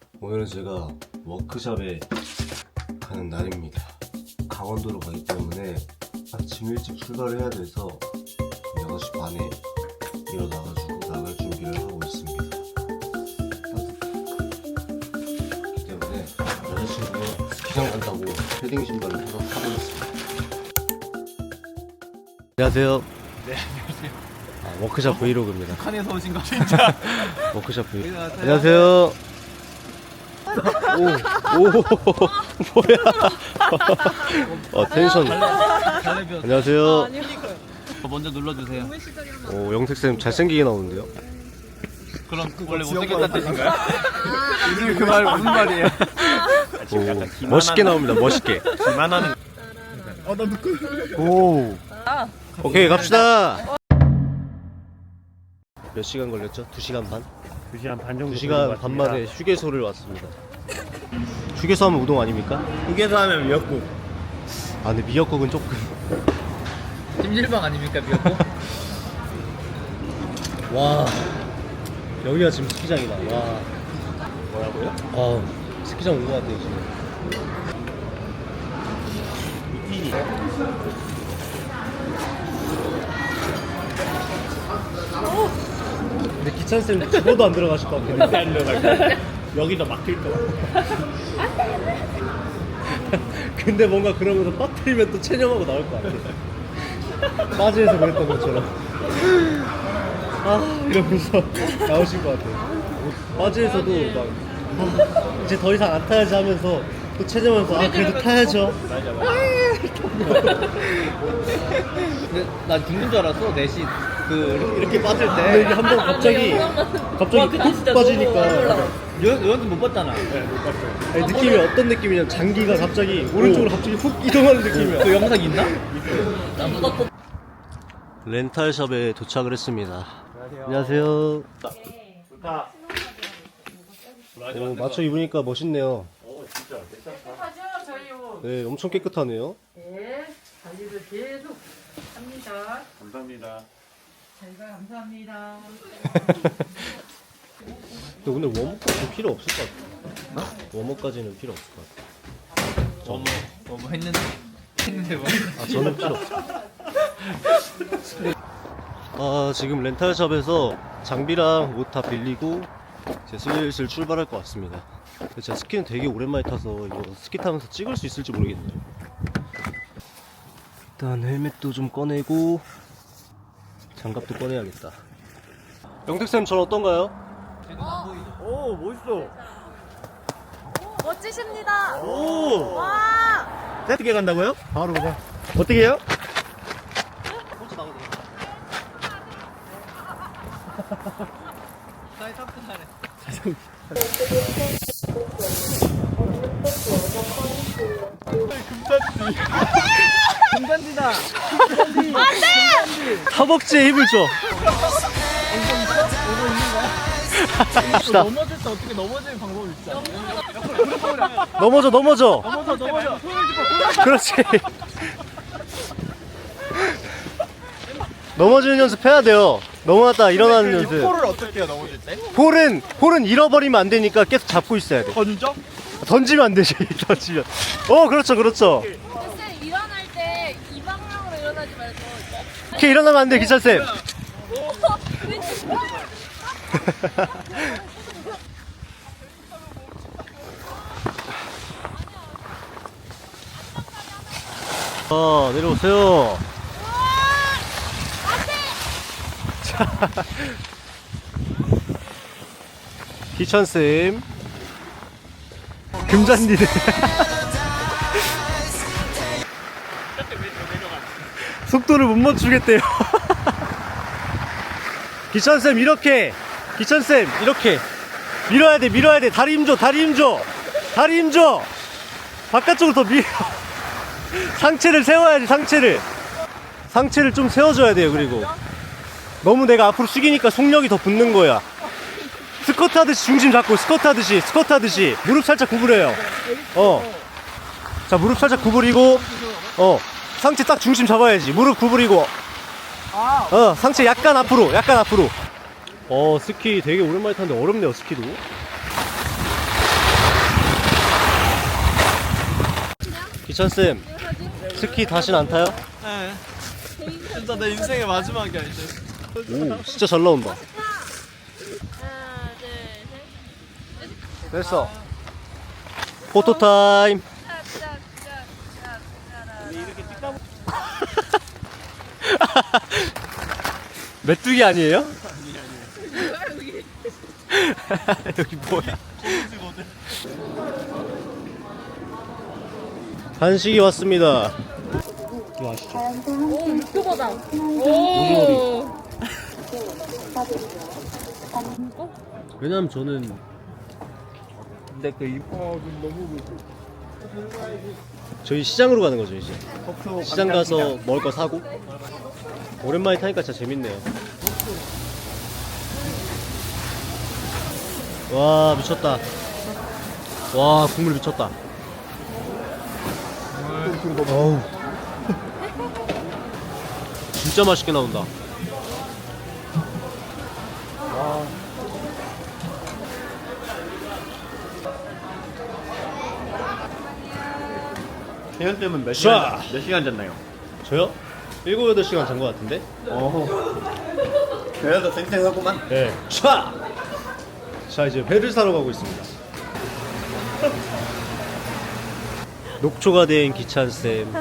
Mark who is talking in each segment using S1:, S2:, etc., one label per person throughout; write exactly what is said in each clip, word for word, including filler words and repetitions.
S1: 오늘은 제가 워크숍에 가는 날입니다. 강원도로 가기 때문에 아침 일찍 출발을 해야 돼서 여섯 시 반에 일어나가지고 나갈 준비를 하고 있습니다. 그렇기 때문에 여자친구가 스키장 간다고 패딩 신발을 사서 사버렸습니다. 안녕하세요.
S2: 네, 안녕하세요.
S1: 아, 워크숍 브이로그입니다.
S2: 북한에서 오신 거 진짜.
S1: 워크숍 브이로그.
S2: 안녕하세요.
S1: 안녕하세요. 오, 오, 뭐야? 어, 텐션.
S2: 달래비었어요.
S1: 안녕하세요.
S2: 먼저 눌러주세요.
S1: 오, 영택쌤 잘생기게 나오는데요?
S2: 그럼 원래 못생겼다는 뜻인가요? 요즘 그 말 무슨 말이에요?
S1: 오, 멋있게 나옵니다, 멋있게.
S2: 기만하는. 어, 나 누구?
S1: 오. 오케이, 갑시다. 몇 시간 걸렸죠? 두 시간 반?
S3: 두 시간 반 정도
S1: 두 시간 반 만에 휴게소를 왔습니다. 휴게소 하면 우동 아닙니까?
S2: 후계서 하면 미역국.
S1: 아, 근데 미역국은 조금.
S2: 찜질방 아닙니까 미역국?
S1: 와. 여기가 지금 스키장이다. 와.
S2: 뭐라고요?
S1: 아, 스키장 온 것 같아요, 지금. 근데 기찬쌤 죽어도 안 들어가실 것 같겠네.
S2: 안 들어갈 여기도 막힐 거 같아.
S1: 근데 뭔가 그러면서 빠뜨리면 또 체념하고 나올 것 같아. 빠지에서 그랬던 것처럼. 아, 이러면서 나오실 것 같아요. 빠지에서도 막, 아, 이제 더 이상 안 타야지 하면서 또 체념하면서, 아, 그래도 타야죠.
S2: 맞아 맞아. 근데 난 죽는 줄 알았어. 넷이 그 이렇게 빠질
S1: 근데
S2: 때.
S1: 이게 한 번 갑자기, 갑자기 푹 빠지니까.
S2: 요한테 못 봤잖아. 네, 못 봤어.
S1: 아니, 느낌이 어떤 느낌이냐면 장기가 갑자기 오른쪽으로 갑자기 훅 이동하는 느낌이야.
S2: 그 영상 있나?
S1: 렌탈샵에 도착을 했습니다. 안녕하세요.
S2: 좋다.
S1: 오, 맞춰 입으니까 멋있네요.
S4: 깨끗하죠? 저희 옷.
S1: 네, 엄청 깨끗하네요.
S4: 네, 관리를 계속 합니다.
S2: 감사합니다.
S4: 저희가 감사합니다.
S1: 근데 오늘 웜업까지는 필요 없을 것 같아. 웜업까지는 필요 없을 것 같아.
S2: 뭐뭐 뭐, 뭐 했는데 했는데 뭐.
S1: 아, 저는 필요 없어. 아, 지금 렌탈샵에서 장비랑 옷 다 빌리고 이제 슬슬 출발할 것 같습니다. 근데 제가 스키는 되게 오랜만에 타서 이거 스키 타면서 찍을 수 있을지 모르겠네요. 일단 헬멧도 좀 꺼내고 장갑도 꺼내야겠다. 영택쌤, 전 어떤가요?
S2: 오 멋있어.
S5: 멋지십니다.
S1: 오!
S5: 와.
S2: 어떻게 간다고요?
S1: 바로 그냥
S2: 어떻게 해요? 금단지다.
S1: 허벅지에 힘을 줘. 갑시다.
S2: 넘어질 때 어떻게 넘어지는 방법이 있지 않나요?
S1: 넘어져, 넘어져.
S2: 넘어져 넘어져. 손을 짚어.
S1: 그렇지. 넘어지는 연습 해야 돼요. 넘어갔다 일어나는 연습.
S2: 폴을 어떻게 해요 넘어질 때?
S1: 폴은 폴은 잃어버리면 안 되니까 계속 잡고 있어야 돼.
S2: 어 진짜?
S1: 던지면 안 되지. 던지면. 어, 그렇죠, 그렇죠.
S5: 쌤 일어날 때 이 방향으로 일어나지 말고.
S1: 이렇게 일어나면 안 돼, 기찬 쌤. 어, 내려오세요. 자, 기찬쌤. 금잔디네. 속도를 못 맞추겠대요. 기찬쌤, 이렇게. 기찬쌤, 이렇게. 밀어야 돼, 밀어야 돼. 다리 힘줘, 다리 힘줘. 다리 힘줘. 바깥쪽으로 더 밀어. 상체를 세워야지, 상체를. 상체를 좀 세워줘야 돼요, 그리고. 너무 내가 앞으로 숙이니까 속력이 더 붙는 거야. 스쿼트 하듯이 중심 잡고, 스쿼트 하듯이, 스쿼트 하듯이. 무릎 살짝 구부려요. 어. 자, 무릎 살짝 구부리고, 어. 상체 딱 중심 잡아야지. 무릎 구부리고. 어, 상체 약간 앞으로, 약간 앞으로. 어, 스키 되게 오랜만에 타는데 어렵네요, 스키도. 기천쌤, 스키 다신 안 타요?
S2: 네. 진짜 내 인생의 마지막이야 이제.
S1: 오, 진짜 잘 나온다.
S5: 하나, 둘, 셋.
S1: 됐어. 포토 타임. 메뚜기 아니에요? 여기 뭐야? 간식이 왔습니다. 이거 아시죠?
S5: 오, 육교보다. 오.
S1: 왜냐면 저는
S2: 근데 그 입. 어 너무.
S1: 저희 시장으로 가는 거죠 이제. 시장 가서 먹을 거 사고. 오랜만에 타니까 진짜 재밌네요. 와 미쳤다. 와 국물 미쳤다. 어우 진짜 맛있게 나온다.
S2: 대현 쌤은 몇
S1: 자.
S2: 시간 몇 시간 잤나요?
S1: 저요? 일곱 여덟 시간 잔 것 같은데?
S2: 어. 대현도 쌩쌩하구만.
S1: 네. 차! 자 이제 회를 사러 가고 있습니다. 녹초가 된 기찬쌤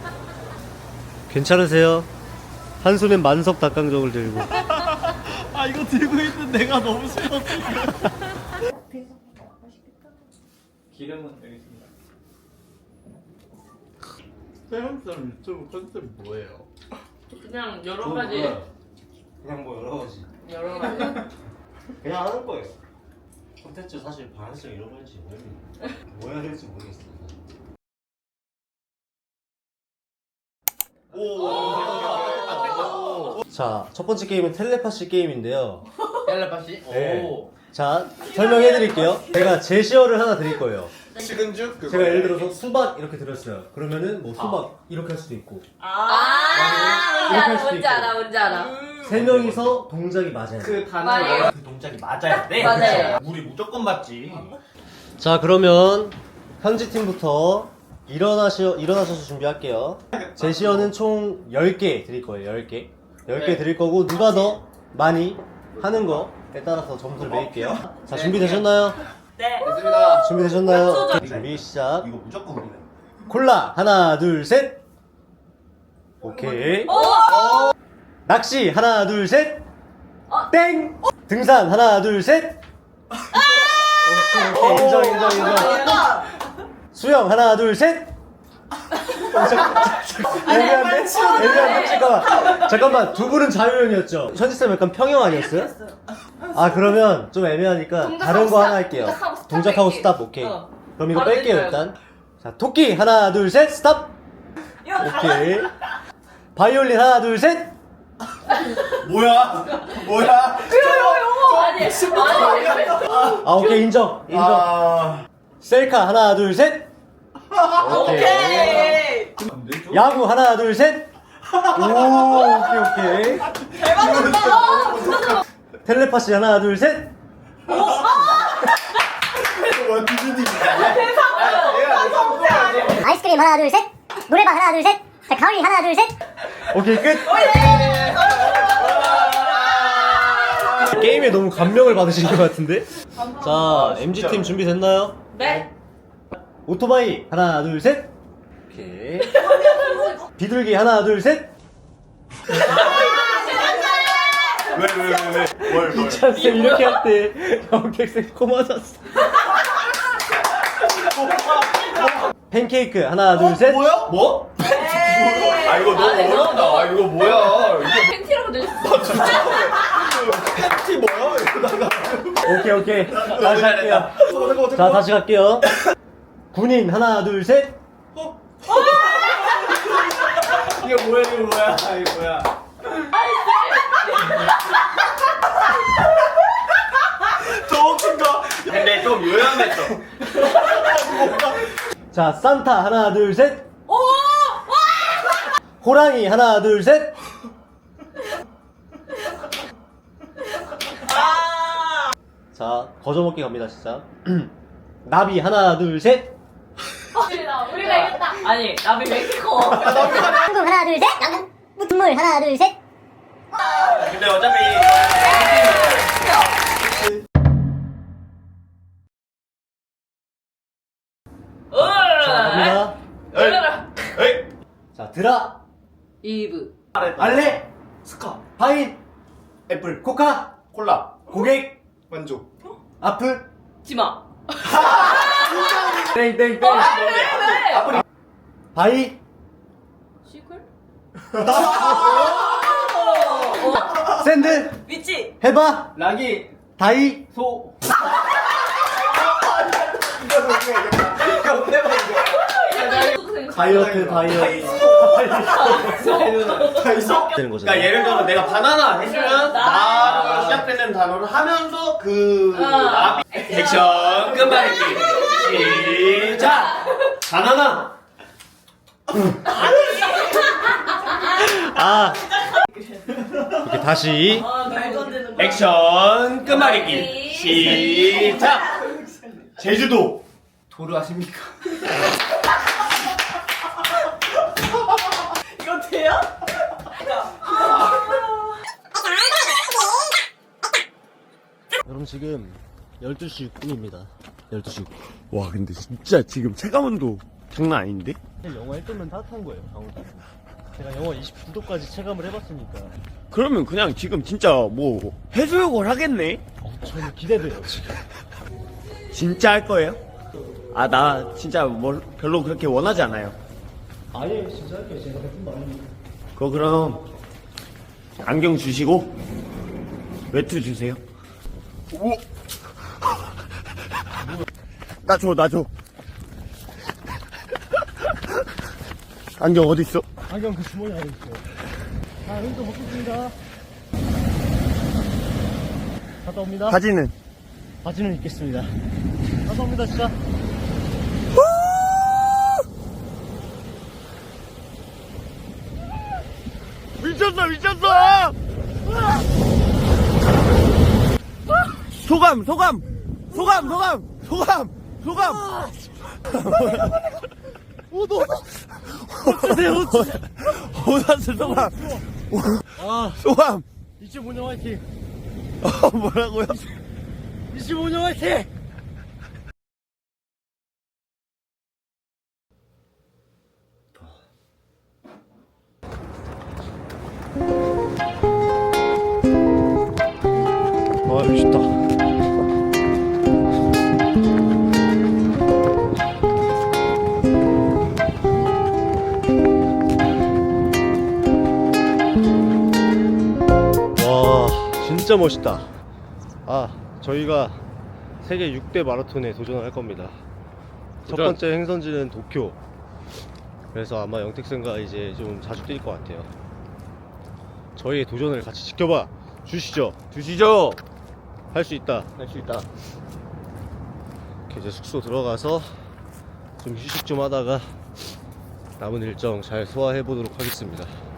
S1: 괜찮으세요? 한 손엔 만석 닭강정을 들고
S2: 아 이거 들고 있는 내가 너무 싫어. 기름은 여기 있습니다. 태형 쌤 유튜브 컨셉 뭐예요?
S4: 그냥 여러 가지.
S1: 그냥 뭐 여러 가지
S4: 여러 가지.
S1: 그냥 하는 거예요. 콘텐츠 사실 방향성 잃어버린지 모르겠는데 뭐 해야 될지 모르겠어요. 자, 첫 번째 게임은 텔레파시 게임인데요.
S2: 텔레파시?
S1: 네. 자, 설명해 드릴게요. 제가 제시어를 하나 드릴 거예요.
S2: 식은죽? 그거.
S1: 제가 예를 들어서 수박 이렇게 들었어요. 그러면은 뭐 수박 이렇게 할 수도 있고
S5: 아,
S1: 이렇게 할
S5: 뭔지
S1: 수도
S5: 알아, 뭔지
S1: 있고.
S5: 알아, 뭔지 알아.
S1: 세 명이서 동작이 맞아요.
S2: 그
S5: 맞아요.
S2: 단어가 그 동작이 맞아야 돼.
S5: 맞아요.
S2: 우리 무조건 맞지.
S1: 자, 그러면 현지 팀부터 일어나셔 일어나셔서 준비할게요. 제시어는 총 열 개 드릴 거예요. 열 개. 열 개
S2: 네.
S1: 드릴 거고 누가 더 많이 하는 거에 따라서 점수를 매길게요. 자, 준비되셨나요?
S5: 네.
S2: 됐습니다.
S1: 준비되셨나요? 준비 시작.
S2: 이거 무조건 우리네.
S1: 콜라 하나 둘 셋. 오케이. 낚시 하나 둘 셋. 땡. 등산 하나 둘 셋. 오케이, 오케이. 인정 인정 인정. 수영 하나 둘 셋. 애매한데? 애매한데? 잠깐만 잠깐만 두 분은 자유형이었죠? 현지쌤 약간 평형 아니었어요? 아 그러면 좀 애매하니까 다른 거 하나 할게요.
S5: 동작하고 스탑
S1: 동작하고
S5: 뺄게요.
S1: 스탑 오케이.
S5: 어.
S1: 그럼 이거
S5: 바로
S1: 뺄게요
S5: 내려요.
S1: 일단. 자 토끼 하나 둘 셋 스탑. 오케이. 바이올린 하나 둘 셋.
S2: 뭐야? 뭐야?
S5: 아니, 아니.
S1: 아 오케이 인정 인정.
S2: 아.
S1: 셀카 하나 둘 셋. 오케이. 야구 하나 둘 셋. 오 오케이 오케이. 텔레파시 하나 둘 셋.
S3: 아이스크림 하나 둘 셋. 노래방 하나 둘 셋. 자, 가을이 하나 둘 셋.
S1: 오케이 끝. 게임에 너무 감명을 받으신 것 같은데. 자 엠지 팀 준비됐나요?
S5: 네.
S1: 오토바이 하나 둘 셋. 오케이. 비둘기 하나 둘 셋.
S2: 왜왜왜 왜? 뭘 뭘?
S1: 찬쌤 이렇게 할 때 영객쌤 코 맞았어. 팬케이크 하나 둘 셋.
S2: 뭐야? 뭐? 아 이거 너무 어렵다. 아 이거 뭐야? 이게
S5: 팬티라고 들렸어.
S2: 팬티 뭐야? 이러다가.
S1: 오케이 오케이 다시 할게요. 자 다시 갈게요. 군인 하나 둘 셋.
S2: 이게 뭐야 이거 뭐야? 아 이거 뭐야? 더 웃긴 거. 근데 좀 요양했어.
S1: 자 산타 하나 둘 셋. 호랑이 하나 둘 셋. 자 거저먹기 갑니다 진짜. 나비 하나 둘 셋.
S5: 우리가 이겼다.
S4: 아니 남이 멕시코.
S3: 한국 하나 둘 셋. 눈물 하나 둘 셋.
S2: 근데 어차피
S1: 자, 갑니다.
S2: 에이 에이
S1: 자, 드라,
S4: 이브.
S1: 알레, 스카, 파인, 애플, 코카,
S2: 콜라
S1: 고객,
S2: 만족
S1: 아플,
S4: 지마.
S1: 땡땡땡, 바이,
S4: 시클?
S1: 샌드,
S4: 미치.
S1: 해바,
S2: 락이
S1: 다이,
S2: 소
S1: 다이어트, 다이어트. 되는 거죠.
S2: 그러니까 예를 들어 내가 바나나 했으면
S4: 나.
S2: 나로 시작되는 단어를 하면서 그
S4: 어.
S2: 나비 액션 끝말잇기 시작 바나나
S1: 아, 이렇게 다시.
S4: 아 말도 안 되는 거.
S2: 액션 끝말잇기 시작 제주도 도르 아십니까?
S4: 이거 돼요?
S1: 여러분 지금 열두 시 육 분입니다. 열두 시 육 분. 와 근데 진짜 지금 체감온도 장난 아닌데? 영하 일 도면 따뜻한 거예요, 강원도. 제가 영하 이십구 도까지 체감을 해봤으니까
S6: 그러면 그냥 지금 진짜 뭐 해수욕을 하겠네?
S1: 어, 저는 기대돼요 지금.
S6: 진짜 할 거예요? 아 나 진짜 뭐 별로 그렇게 원하지 않아요.
S1: 아예 진짜 할게요. 제가 해준 거 아닙니까?
S6: 그거 그럼 안경 주시고 외투 주세요. 오. 나 줘, 나 줘. 안경 어디 있어?
S1: 안경 그 주머니 안에 있어요. 자, 여기서 먹겠습니다. 갔다 옵니다.
S6: 바지는?
S1: 바지는 입겠습니다. 갔다 옵니다 진짜.
S6: 미쳤어, 미쳤어! 소감, 소감, 소감, 소감, 소감, 소감. 오다스 소감.
S1: 아,
S6: 소감.
S1: 이십오 년 화이팅.
S6: 어, 뭐라고요?
S1: 이십오 년 화이팅. 아, 멋있다. 와, 진짜 멋있다. 아, 저희가 세계 육 대 마라톤에 도전을 할 겁니다. 첫
S6: 도전.
S1: 번째 행선지는 도쿄. 그래서 아마 영택생과 이제 좀 자주 뛸 것 같아요. 저희의 도전을 같이 지켜봐 주시죠.
S6: 주시죠.
S1: 할 수 있다.
S6: 할 수 있다.
S1: 이렇게 이제 숙소 들어가서 좀 휴식 좀 하다가 남은 일정 잘 소화해 보도록 하겠습니다.